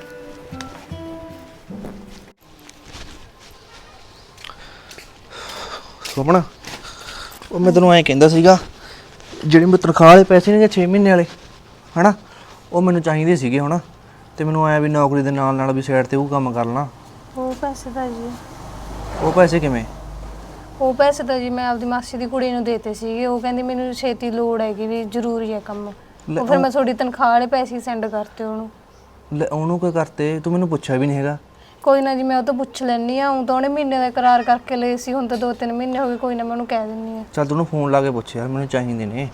S7: ਸੁਮਣ, ਉਹ ਮੈਂ ਤੈਨੂੰ ਐਂ ਕਹਿੰਦਾ ਸੀਗਾ, ਜਿਹੜੇ ਮੈਂ ਤਨਖਾਹ ਵਾਲੇ ਪੈਸੇ ਨੇ 6 ਮਹੀਨੇ ਵਾਲੇ ਹਨਾ, ਉਹ ਮੈਨੂੰ ਚਾਹੀਦੇ ਸੀਗੇ ਹੁਣ। ਤੇ ਮੈਨੂੰ ਆਇਆ ਵੀ ਨੌਕਰੀ ਦੇ ਨਾਲ ਨਾਲ ਵੀ ਸਾਈਡ ਤੇ ਉਹ ਕੰਮ ਕਰ ਲਾਂ।
S3: ਉਹ ਪੈਸੇ ਤਾਂ ਜੀ,
S7: ਉਹ ਪੈਸੇ ਕਿਵੇਂ?
S3: ਉਹ ਪੈਸੇ ਤਾਂ ਜੀ ਮੈਂ ਆਪਦੀ ਮਾਸੀ ਦੀ ਕੁੜੀ ਨੂੰ ਦੇਤੇ ਸੀਗੇ। ਉਹ ਕਹਿੰਦੀ ਮੈਨੂੰ ਛੇਤੀ ਲੋੜ ਹੈਗੀ ਵੀ ਜ਼ਰੂਰੀ ਹੈ ਕੰਮ। ਉਹ ਫਿਰ ਮੈਂ ਤੁਹਾਡੀ ਤਨਖਾਹ ਵਾਲੇ ਪੈਸੇ ਸੈਂਡ ਕਰਤੇ ਉਹਨੂੰ।
S7: ਲੈ ਉਹਨੂੰ ਕੀ ਕਰਤੇ? ਤੂੰ ਮੈਨੂੰ ਪੁੱਛਿਆ ਵੀ ਨਹੀਂ ਹੈਗਾ।
S3: ਕੋਈ ਨਾ ਜੀ, ਮੈਂ ਉਹ ਤੋਂ ਪੁੱਛ ਲੈਣੀ ਆ। ਉਹ ਤਾਂ ਉਹਨੇ ਮਹੀਨੇ ਦਾ ਇਕਰਾਰ ਕਰਕੇ ਲਏ ਸੀ, ਹੁਣ ਤਾਂ 2-3 ਮਹੀਨੇ ਹੋ ਗਏ। ਕੋਈ ਨਾ ਮੈਂ ਉਹਨੂੰ ਕਹਿ ਦਿੰਨੀ ਆ।
S7: ਚੱਲ ਤੂੰ ਉਹਨੂੰ ਫੋਨ ਲਾ ਕੇ ਪੁੱਛ ਯਾਰ, ਮੈਨੂੰ ਚਾਹੀਦੇ ਨੇ।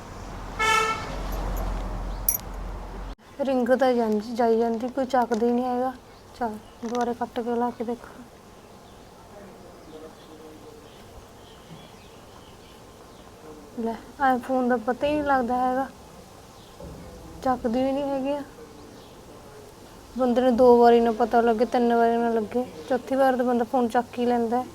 S3: ਰਿੰਗ ਤਾਂ ਜਾਈ ਜਾਂਦੀ, ਕੋਈ ਚੱਕਦਾ ਹੀ ਨਹੀਂ ਹੈਗਾ। ਚੱਲ ਦੁਬਾਰੇ ਕੱਟ ਕੇ ਲਾ ਕੇ ਦੇਖੋ। ਲੈ ਆਈਫੋਨ ਦਾ ਪਤਾ ਹੀ ਨਹੀਂ ਲੱਗਦਾ ਹੈਗਾ, ਚੱਕਦੀ ਵੀ ਨਹੀਂ ਹੈਗੀ ਆ। ਬੰਦੇ ਨੂੰ 2 ਵਾਰੀ ਨਾ ਪਤਾ ਲੱਗੇ, 3 ਵਾਰੀ ਨਾ ਲੱਗੇ, ਚੌਥੀ ਵਾਰ ਤਾਂ ਬੰਦਾ ਫੋਨ ਚੱਕ ਹੀ ਲੈਂਦਾ ਹੈ।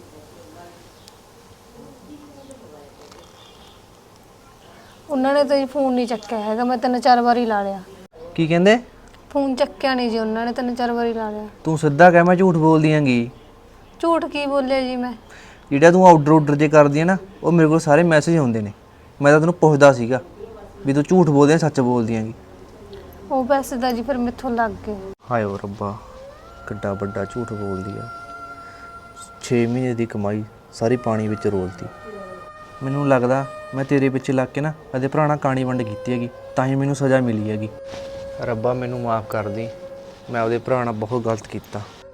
S3: ਉਹਨਾਂ ਨੇ ਤਾਂ ਜੀ ਫੋਨ ਨਹੀਂ ਚੱਕਿਆ ਹੈਗਾ, ਮੈਂ 3-4 ਵਾਰੀ ਲਾ ਲਿਆ।
S7: ਕੀ ਕਹਿੰਦੇ?
S3: ਫੋਨ ਚੱਕਿਆ ਨਹੀਂ ਜੀ ਉਹਨਾਂ ਨੇ, 3-4 ਵਾਰੀ ਲਾ ਲਿਆ।
S7: ਤੂੰ ਸਿੱਧਾ ਕਹਿ, ਮੈਂ ਝੂਠ ਬੋਲਦੀ ਆਂਗੀ।
S3: ਝੂਠ ਕੀ ਬੋਲਿਆ ਜੀ ਮੈਂ?
S7: ਜਿਹੜਾ ਤੂੰ ਆਰਡਰ ਜੇ ਕਰਦੀ ਹੈ ਨਾ, ਉਹ ਮੇਰੇ ਕੋਲ ਸਾਰੇ ਮੈਸੇਜ ਆਉਂਦੇ ਨੇ। ਮੈਂ ਤਾਂ ਤੈਨੂੰ ਪੁੱਛਦਾ ਸੀਗਾ ਵੀ ਤੂੰ ਝੂਠ ਬੋਲਦੀ ਆ ਸੱਚ ਬੋਲਦੀ ਆਂਗੀ।
S3: ਉਹ ਪੈਸੇ ਤਾਂ ਜੀ ਫਿਰ ਮੈਥੋਂ ਲੱਗ ਗਏ।
S7: ਹਾਏ ਓ ਰੱਬਾ, ਕਿੱਡਾ ਵੱਡਾ ਝੂਠ ਬੋਲਦੀ ਆ। 6 ਮਹੀਨੇ ਦੀ ਕਮਾਈ ਸਾਰੀ ਪਾਣੀ ਵਿੱਚ ਰੋਲਤੀ। ਮੈਨੂੰ ਲੱਗਦਾ ਮੈਂ ਤੇਰੇ ਪਿੱਛੇ ਲੱਗ ਕੇ ਨਾ ਇਹਦੇ ਭਰਾ ਨਾਲ ਕਾਣੀ ਵੰਡ ਕੀਤੀ ਹੈਗੀ, ਤਾਂ ਹੀ ਮੈਨੂੰ ਸਜ਼ਾ ਮਿਲੀ ਹੈਗੀ। ਰੱਬਾ ਮੈਨੂੰ ਮਾਫ ਕਰ ਦੇ, ਮੈਂ ਉਹਦੇ ਭਰਾ ਨਾਲ ਬਹੁਤ ਗਲਤ ਕੀਤਾ।